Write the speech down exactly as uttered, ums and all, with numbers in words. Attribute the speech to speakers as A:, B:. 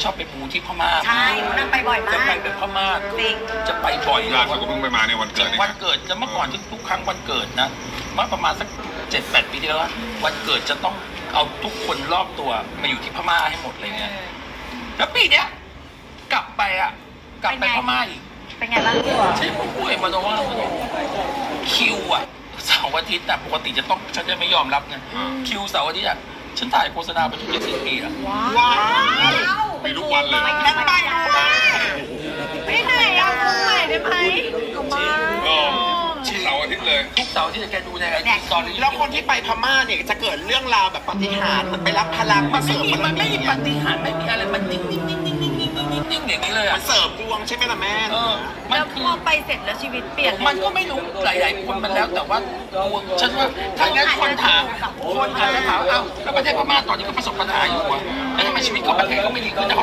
A: ชอบไปมูที่พม่า
B: ใช่นั่งไปบ่อยมาก
A: จะไปไปพม่า
B: จริง
A: จะไปบ่อย
C: ล่าสุดก็เพิ่งไปมาในวันเกิดนี่
A: วันเกิดจะเมื่อก่อนทุกๆครั้งวันเกิดนะเมื่อประมาณสักเจ็ดแปดปีที่แล้วอะวันเกิดจะต้องเอาทุกคนรอบตัวมาอยู่ที่พม่าให้หมดเลยเนี่ยแล้วปีเนี้ยกลับไปอ่ะกลับไปพม่าอีก
B: เป็นไงบ้าง
A: ใช่ผู้ป่วยมาโนว่าคิวอ่ะเสาร์อาทิตย์แต่ปกติจะต้องฉันจะไม่ยอมรับไงคิวเสาร์อาทิตย์อ่ะฉันถ่ายโฆษณาไปทุกเจ็ดสิบปีอ่ะ
C: ว้าวมีทุกวันเลย
B: ไปกันไปไปไหนเอาตรงไหนได้ไหม
C: เออเสาร์อาทิตย์เลย
A: ทุกเสาร์ที่จะแกดูในไอจีตอนนี้
D: แล้วคนที่ไปพม่าเนี่ยจะเกิดเรื่องราวแบบปาฏิหาริย์เหมือนไปรับพลัง
A: มั
D: มาน เส
A: ไม่
D: ริม
A: มี
D: บาร
A: มันไม่
D: มี
A: มีปาฏิหาริย์ไม่มีอะไรมันนิ่งนิ่งนิ่งนิ่งนิ่งนิ่งนิ่งนิ่งนิ่งอย่างนี้เลย
D: มั
A: อ่ะ
D: นเสริมดวงใช่ไหมล่ะแม่
A: เออมั
B: แล้
A: น
B: ว
A: คือ
B: พอไปเสร็จแล้วชีวิตเปลี่ยน
A: มันก็ไม่รู้หลายๆคนมันแล้วแต่ว่าดวงฉันว่าถ้างั้นคนถามคนอาจจะถามเอ้าแล้วประเทศพม่าตอนนี้ก็ประสบปัญหาอยู่อ่ะแล้วทำไมชีวิตของประเทศก็ไม่ดีขึ้นนะ